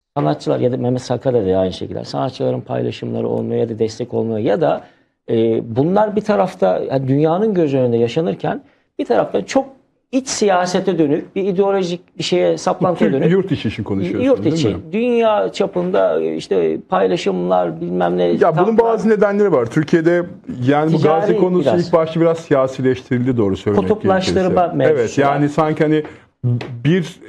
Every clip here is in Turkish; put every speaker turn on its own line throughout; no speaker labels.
sanatçılar ya da Mehmet Sakarya da aynı şekilde sanatçıların paylaşımları olmuyor ya da destek olmuyor ya da bunlar bir tarafta yani dünyanın göz önünde yaşanırken bir tarafta çok iç siyasete dönük bir ideolojik bir şeye saplantıya dönük.
Yurt içi için konuşuyorsunuz
Yurt
değil
içi.
mi?
Dünya çapında işte paylaşımlar bilmem ne.
Ya bunun bazı nedenleri var. Türkiye'de yani bu
Ticari
Gazi konusu
biraz.
ilk başta biraz siyasileştirildi doğru söylemek
Kutuplaştırma
gerekirse.
mevzusu
Evet yani sanki hani bir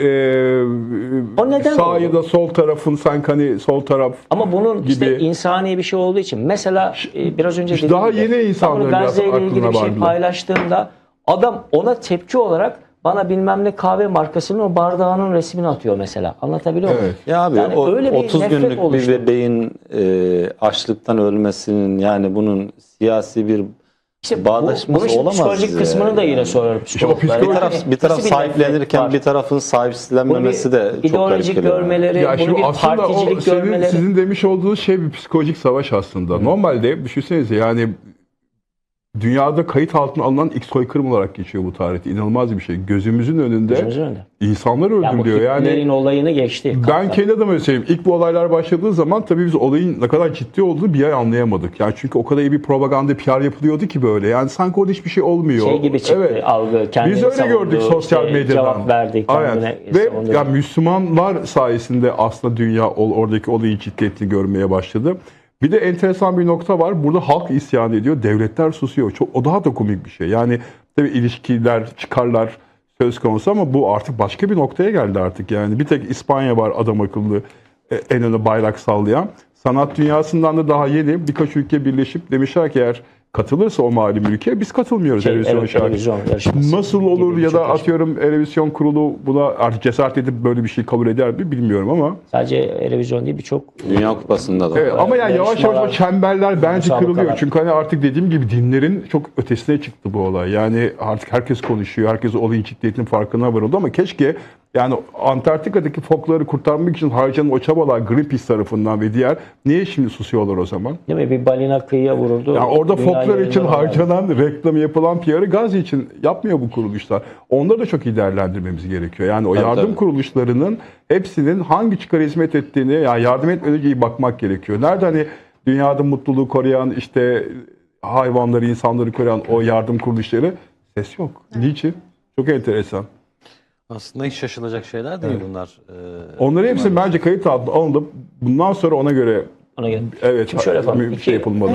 O neden
sağ
oldu?
ya da sol tarafın sanki hani sol taraf
Ama bunun
gibi.
işte insani bir şey olduğu için mesela biraz önce
İşte
dediğim
daha
gibi,
yeni insanların
ben bunu
biraz
Gazze ile ilgili bir şey
aklına
paylaştığımda adam ona tepki olarak bana bilmem ne kahve markasının o bardağının resmini atıyor mesela. Anlatabiliyor muyum?
Evet.
Ya abi
Yani öyle bir
30
nefret
günlük bir
oluştu.
bebeğin açlıktan ölmesinin yani bunun siyasi bir
İşte
bağdaşması
bunun şimdi
olamaz.
psikolojik kısmını da yine sorarım.
psikolojik-
Bir taraf
Nasıl
sahiplenirken
nefret
bir
var?
tarafın
Bunu
sahiplenmemesi de çok garip
ideolojik
geliyor.
görmeleri,
Ya
bunu
şimdi
bir
aslında o
particilik görmeleri.
sizin demiş olduğunuz şey bir psikolojik savaş aslında. Normalde düşünsenize yani dünyada kayıt altına alınan ilk soykırım olarak geçiyor bu tarihte. İnanılmaz bir şey. Gözümüzün önünde
Gözümüzün önünde.
insanlar
Yani bu
öldürülüyor.
Hitler'in
Yani
olayını geçti.
ben kendi adıma söyleyeyim. İlk bu olaylar başladığı zaman tabii biz olayın ne kadar ciddi olduğunu bir ay anlayamadık. Yani çünkü o kadar iyi bir propaganda PR yapılıyordu ki böyle. Yani sanki orada hiçbir şey olmuyor.
Şey gibi çıktı
Evet.
algı. Kendini
Biz öyle
savundu,
gördük sosyal
işte
medyadan.
Cevap verdi.
Aynen.
Kendine savundu.
Ve ya Müslümanlar sayesinde aslında dünya oradaki olayın ciddiyetini görmeye başladı. Bir de enteresan bir nokta var. Burada halk isyan ediyor, devletler susuyor. O daha da komik bir şey. Yani tabii ilişkiler, çıkarlar söz konusu ama bu artık başka bir noktaya geldi artık. Yani bir tek İspanya var adam akıllı en öne bayrak sallayan. Sanat dünyasından da daha yeni birkaç ülke birleşip demişler ki eğer katılırsa o malum ülke biz katılmıyoruz Erevizyon şarkı.
Erevizyon yarışması
Nasıl olur
gibi
ya da
birçok
atıyorum Erevizyon kurulu buna artık cesaret edip böyle bir şey kabul eder mi bilmiyorum ama.
Sadece Erevizyon değil birçok
Dünya Kupası'nda da.
Evet, ama yani yavaş yavaş o çemberler bence
müsabakalar.
kırılıyor. Çünkü hani artık dediğim gibi dinlerin çok ötesine çıktı bu olay. Yani artık herkes konuşuyor. Herkes olayın ciddiyetinin farkına varıldı ama keşke yani Antarktika'daki fokları kurtarmak için harcanan o çabalar Greenpeace tarafından ve diğer niye şimdi susuyorlar o zaman?
değil mi? Bir balina kıyıya vuruldu.
Yani orada
Dünya
foklar için
yayınları var.
harcanan, reklamı yapılan PR'ı Gazze için yapmıyor bu kuruluşlar. Onları da çok iyi değerlendirmemiz gerekiyor. Yani o yardım
tabii.
kuruluşlarının hepsinin hangi çıkara hizmet ettiğini, yani yardım etmeden önce iyi bakmak gerekiyor. Nerede hani dünyada mutluluğu koruyan, işte hayvanları, insanları koruyan o yardım kuruluşları ses yok. Niçin? Çok enteresan.
Aslında hiç şaşılacak şeyler değil bunlar.
Onları hepsi bence kayıt altına alınıp bundan sonra ona göre
Ona göre.
evet
Şimdi şöyle yapalım.
bir şey yapılmalı.